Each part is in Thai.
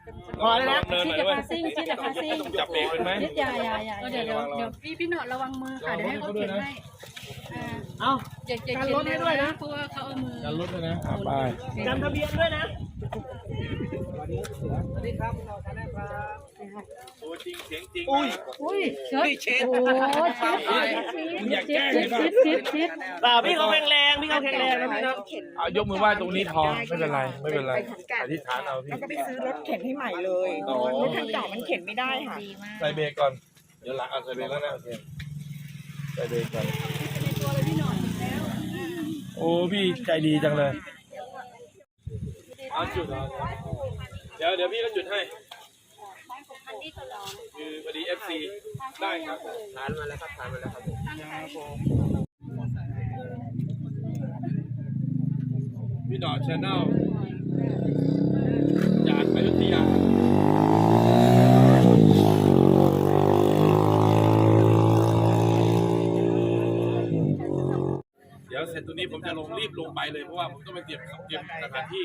พอแล้วนะชิดกับคาซิ่งชิดกับคาซิ่งจับเบรกเป็นไหมชิดอย่าเดี๋ยวพี่หนอดระวังมือค่ะเดี๋ยวให้เขาเขียนให้เอาอย่าเขียนให้ด้วยนะเพราะว่าเขาเอามือกันรถเลยนะไปจำทะเบียนด้วยนะตัวจริงเสียงจริงอุ้ยเชิดเช็ดโอ้ชิดพี่เขาแข็งแรงพี่เขาแข็งแรงนะพี่เนาะเอายกมือไหว้ตรงนี้พอไม่เป็นไรไม่เป็นไรอธิษฐานเอาพี่แล้วก็ไปซื้อรถเข็นให้ใหม่เลยรถคันเก่ามันเข็นไม่ได้ค่ะดีมากใส่เบรกก่อนเดี๋ยวหลังเอาใส่เบรกแล้วนะโอเคใส่เบรกก่อนโอ้พี่ใจดีจังเลยเอาจุดเดี๋ยวพี่ก็จุดให้คือพอดี FC ได้ครับทานมาแล้วครับทานมาแล้วครับพี่หนอชาแนลจากอยุธยาเดี๋ยวเสร็จตรงนี้ผมจะรีบลงไปเลยเพราะว่าผมต้องไปเตรียมสถานที่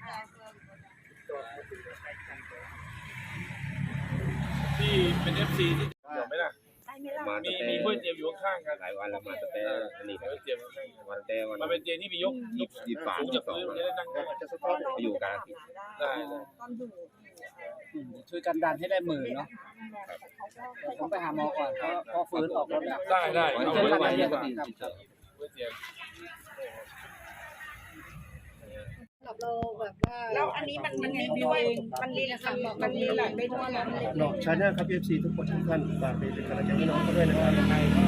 ที่เป็น FC ที่เดี๋ยวไม่ได้มีเพื่อนเตรียมอยู่ข้างๆกันหลายวันแล้วมาสเตย์อันนี้ก็เตรียมข้างๆวันเตย์มันเป็นเตียงที่มียกฝาจากพื้นจะได้นั่งได้ไปอยู่กันได้ช่วยกันดันให้ได้หมื่นเนาะผมไปหาหมอก่อนเพราะฟื้นออกรถแล้วได้เอาไว้ไว้เตียงเราแบบว่าแล้วอันนี้มันรีบด้วยมันรีบมันรีบหลังได้ด้วยนะหนอกชาแนลครับ FC ทุกคนทุกท่านฝากเป็นกำลังใจให้น้องเขาด้วยนะครับยังไงก็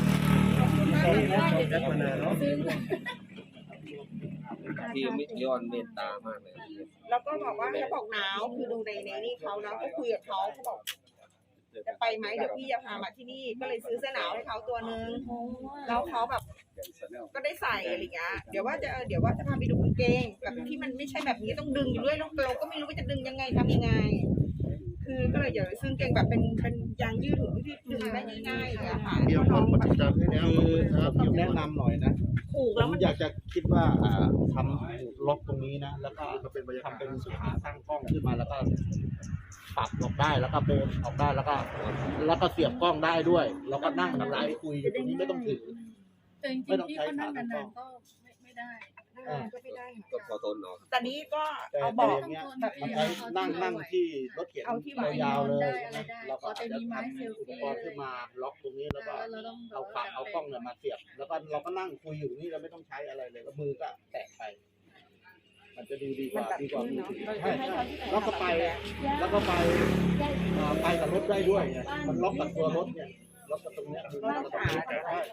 ชอบแอดมานานเนาะที่มิตรย้อนเมตตามากเลยแล้วก็บอกว่าเขาบอกหนาวคือดูในนี่เขาแล้วก็คุยกับเขาเขาบอกจะไปไหมเดี๋ยวพี่จะพามาที่นี่ก็เลยซื้อเสื้อหนาวให้เขาตัวนึงแล้วเขาแบบก็ได้ใส่อะไรเงี้ยเดี๋ยวว่าจะพาไปดูกางเกงแบบที่มันไม่ใช่แบบนี้ต้องดึงอยู่ด้วยเราก็ไม่รู้ว่าจะดึงยังไงทำยังไงคือก็เลยอยากจะซื้อกางเกงแบบเป็นยางยืดหูที่ดึงได้ง่ายๆอย่างเงี้ยค่ะเดี๋ยวคนปฏิจจ์ให้แล้วครับแนะนำหน่อยนะผูกผแล้วมมันอยากจะคิดว่าทำล็อกตรงนี้นะแล้วก็ทำเป็นขาตั้งกล้องขึ้นมาแล้วก็ปรับออกได้แล้วก็เบนออกได้แล้วก็เสียบกล้องได้ด้วยแล้วก็นั่งไลฟ์คุยอยู่ตรงนี้ไม่ต้องถือแต่จริงๆพี่เขานั่งนานๆก็ไม่ได้ก็ไม่ได้ค่ะก็พอทนเนาะแต่นี้ก็แต่เอาแต่เบาะอย่างเงี้ยมันใช้นั่งที่รถเข็นยาวๆเลยนะเราก็อาจจะทำอุปกรณ์ขึ้นมาล็อกตรงนี้แล้วก็เอากล้องเนี่ยมาเสียบแล้วก็เราก็นั่งคุยอยู่นี่เราไม่ต้องใช้อะไรเลยแล้วมือก็แตะไปมันจะดูดีกว่าใช่แล้วก็ไปกับรถได้ด้วยมันล็อกกับตัวรถเนี่ยล็อกกับตรงเนี้ย